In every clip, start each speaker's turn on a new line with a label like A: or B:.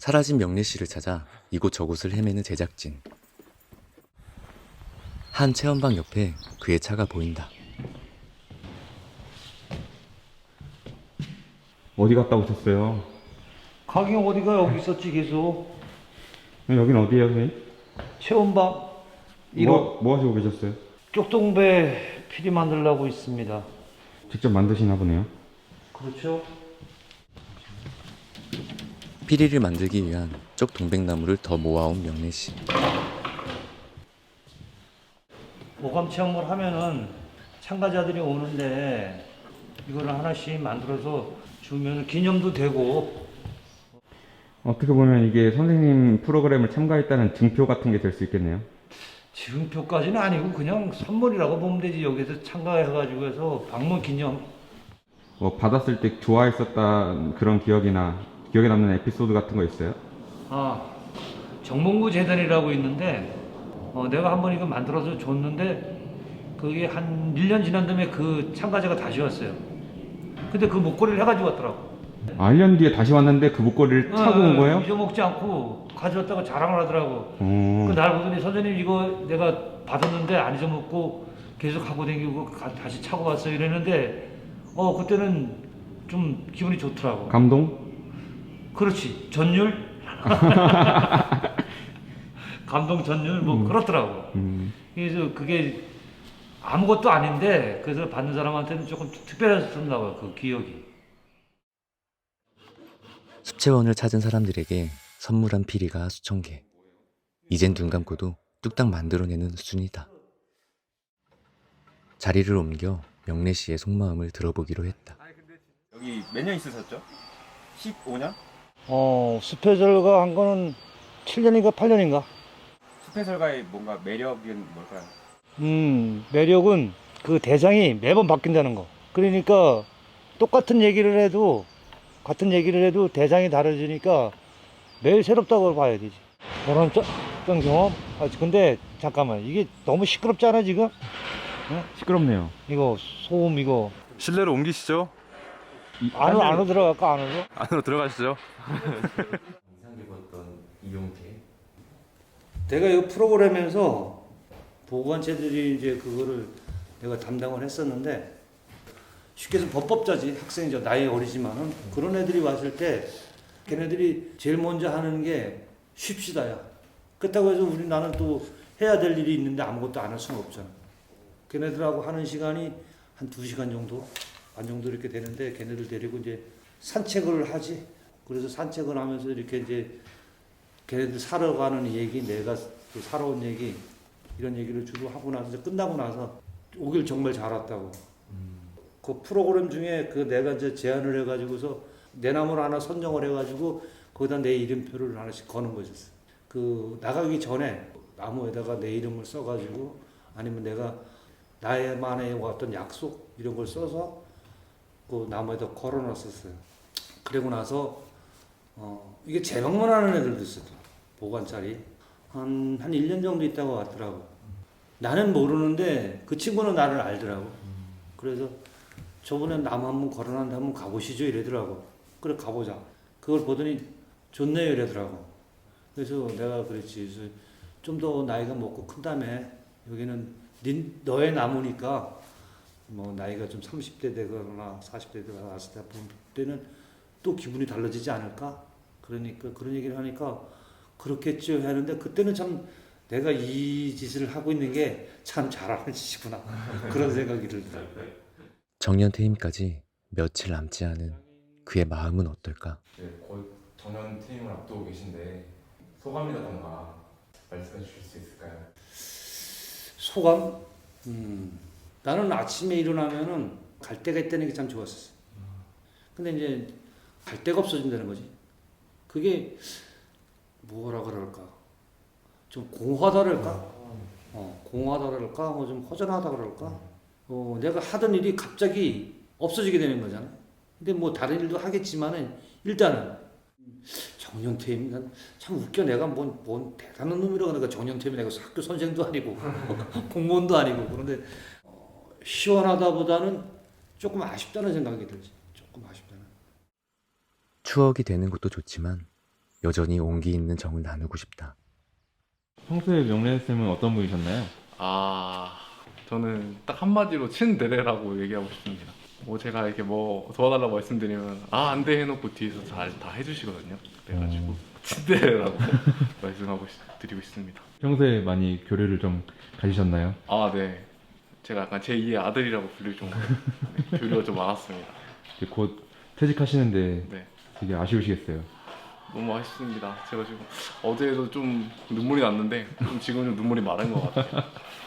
A: 사라진 명래 씨를 찾아 이곳 저곳을 헤매는 제작진. 한 체험방 옆에 그의 차가 보인다.
B: 어디 갔다 오셨어요?
C: 가긴 어디가 여기 있었지 계속.
B: 여긴 어디예요, 선생님?
C: 체험방 1호
B: 뭐 하시고 계셨어요?
C: 쪽동배 피리 만들려고 있습니다.
B: 직접 만드시나 보네요.
C: 그렇죠?
A: 피리를 만들기 위한 쪽 동백나무를 더 모아온 명래 씨.
C: 오감 체험을 하면은 참가자들이 오는데 이거를 하나씩 만들어서 주면 기념도 되고.
B: 어떻게 보면 이게 선생님 프로그램을 참가했다는 증표 같은 게 될 수 있겠네요.
C: 지금표까지는 아니고 그냥 선물이라고 보면 되지. 여기서 참가해가지고 해서 방문 기념.
B: 받았을 때 좋아했었다 그런 기억이나 기억에 남는 에피소드 같은 거 있어요?
C: 정몽구 재단이라고 있는데 내가 한번 이거 만들어서 줬는데 그게 한 1년 지난 다음에 그 참가자가 다시 왔어요. 근데 그 목걸이를 해가지고 왔더라고.
B: 1년 뒤에 다시 왔는데 그 목걸이를 차고 온 거예요?
C: 잊어먹지 않고 가져왔다고 자랑을 하더라고.
B: 어.
C: 그 날 보더니 선생님 이거 내가 받았는데 안 잊어먹고 계속 하고 다니고 다시 차고 왔어요 이랬는데 그때는 좀 기분이 좋더라고.
B: 감동?
C: 그렇지. 전율? 감동 전율 뭐 그렇더라고. 그래서 그게 아무것도 아닌데 그래서 받는 사람한테는 조금 특별했었나 봐요. 그 기억이.
A: 습체원을 찾은 사람들에게 선물한 피리가 수천 개. 이젠 눈 감고도 뚝딱 만들어내는 수준이다. 자리를 옮겨 명래 씨의 속마음을 들어보기로 했다.
D: 여기 몇 년 있으셨죠? 15년?
C: 스페셜가 한 거는 7년인가 8년인가?
D: 숲해설가의 뭔가 매력은 뭘까요?
C: 매력은 그 대상이 매번 바뀐다는 거. 그러니까 똑같은 얘기를 해도 같은 얘기를 해도 대상이 다르지니까 매일 새롭다고 봐야 되지. 보람찬 경험? 근데 잠깐만 이게 너무 시끄럽지 않아 지금?
B: 시끄럽네요.
C: 이거 소음 이거
E: 실내로 옮기시죠.
C: 안으로 들어갈까 안으로?
E: 안으로 들어가시죠.
A: 인상 깊었던 이용재.
C: 내가 이 프로그램에서 보건체들이 이제 그거를 내가 담당을 했었는데 쉽게 해서 법법자지 학생이죠. 나이 어리지만은 그런 애들이 왔을 때 걔네들이 제일 먼저 하는 게 쉽시다야. 그렇다고 해서 나는 또 해야 될 일이 있는데 아무것도 안 할 수는 없잖아. 걔네들하고 하는 시간이 한 2시간 정도 반 정도 이렇게 되는데 걔네들 데리고 이제 산책을 하지. 그래서 산책을 하면서 이렇게 이제 걔네들 사러 가는 얘기, 내가 또 살아온 얘기, 이런 얘기를 주로 하고 나서 이제 끝나고 나서 오길 정말 잘 왔다고. 그 프로그램 중에 그 내가 이제 제안을 해가지고서 내 나무를 하나 선정을 해가지고 거기다 내 이름표를 하나씩 거는 거였어. 그 나가기 전에 나무에다가 내 이름을 써가지고 아니면 내가 나만의 어떤 약속 이런 걸 써서 그 나무에다 걸어놨었어요. 그리고 나서 이게 재방문하는 애들도 있었더라. 보관자리. 한 1년 정도 있다가 왔더라고. 나는 모르는데 그 친구는 나를 알더라고. 그래서 저번에 나무 한번 걸어놨는데 한번 가보시죠 이러더라고. 그래 가보자. 그걸 보더니 좋네요 이러더라고. 그래서 내가 그랬지. 좀 더 나이가 먹고 큰 다음에 여기는 너의 나무니까 뭐 나이가 좀 30대 되거나 40대 되거나 왔을 때 볼 때는 또 기분이 달라지지 않을까? 그러니까 그런 얘기를 하니까 그렇겠죠 하는데 그때는 참 내가 이 짓을 하고 있는 게 참 잘하는 짓이구나 그런 생각이 들더라고요.
A: 정년 퇴임까지 며칠 남지 않은 그의 마음은 어떨까?
F: 네, 거의 정년 퇴임을 앞두고 계신데 소감이라던가 말씀해 주실 수 있을까요?
C: 소감? 나는 아침에 일어나면은 갈 데가 있다는 게 참 좋았었어. 근데 이제 갈 데가 없어진다는 거지. 그게 뭐라 그럴까? 좀 공허하다 그럴까? 공허하다 그럴까? 뭐 좀 허전하다 그럴까? 내가 하던 일이 갑자기 없어지게 되는 거잖아. 근데 뭐 다른 일도 하겠지만은 일단은 정년퇴임 난 참 웃겨. 내가 뭔 대단한 놈이라고. 내가 정년퇴임 내가 학교 선생도 아니고 공무원도 아니고. 그런데 시원하다보다는 조금 아쉽다는 생각이 들지. 조금 아쉽다는.
A: 추억이 되는 것도 좋지만 여전히 온기 있는 정을 나누고 싶다.
B: 평소에 명래쌤은 어떤 분이셨나요?
E: 저는 딱 한마디로 친데레라고 얘기하고 싶습니다. 뭐 제가 이렇게 뭐 도와달라고 말씀드리면 안 돼 해놓고 뒤에서 잘 다 해주시거든요. 그래가지고 친데레라고 말씀하고 드리고 있습니다.
B: 평소에 많이 교류를 좀 가지셨나요?
E: 네. 제가 약간 제2의 아들이라고 불릴 정도로 교류가 좀 많았습니다.
B: 이제 곧 퇴직하시는데
E: 네.
B: 되게 아쉬우시겠어요.
E: 너무 아쉽습니다. 제가 지금 어제도 좀 눈물이 났는데 지금 좀 눈물이 마른 것 같아요.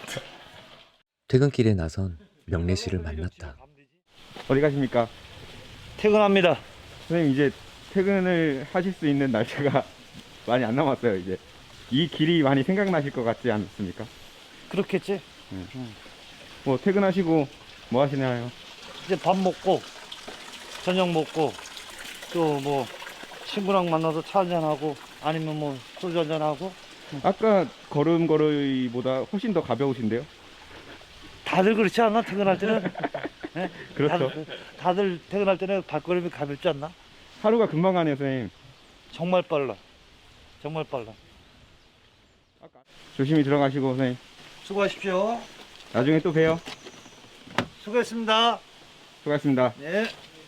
A: 퇴근길에 나선 명래 씨를 만났다.
B: 어디 가십니까?
C: 퇴근합니다.
B: 선생님 이제 퇴근을 하실 수 있는 날짜가 많이 안 남았어요. 이제 이 길이 많이 생각나실 것 같지 않습니까?
C: 그렇겠지?
B: 뭐 퇴근하시고 뭐 하시나요?
C: 이제 밥 먹고 저녁 먹고 또 뭐 친구랑 만나서 차 한잔하고 아니면 뭐 소주 한잔하고
B: 아까 걸음걸이보다 훨씬 더 가벼우신데요?
C: 다들 그렇지 않나? 퇴근할 때는? 네?
B: 그렇죠.
C: 다들 퇴근할 때는 발걸음이 가볍지 않나?
B: 하루가 금방 가네요, 선생님.
C: 정말 빨라. 정말 빨라.
B: 조심히 들어가시고 선생님.
C: 수고하십시오.
B: 나중에 또 봬요.
C: 수고했습니다.
B: 수고하셨습니다.
C: 네.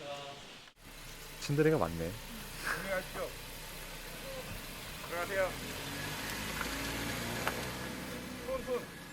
E: 친데레가 많네.
B: 들어가십시오. 들어가세요. 손.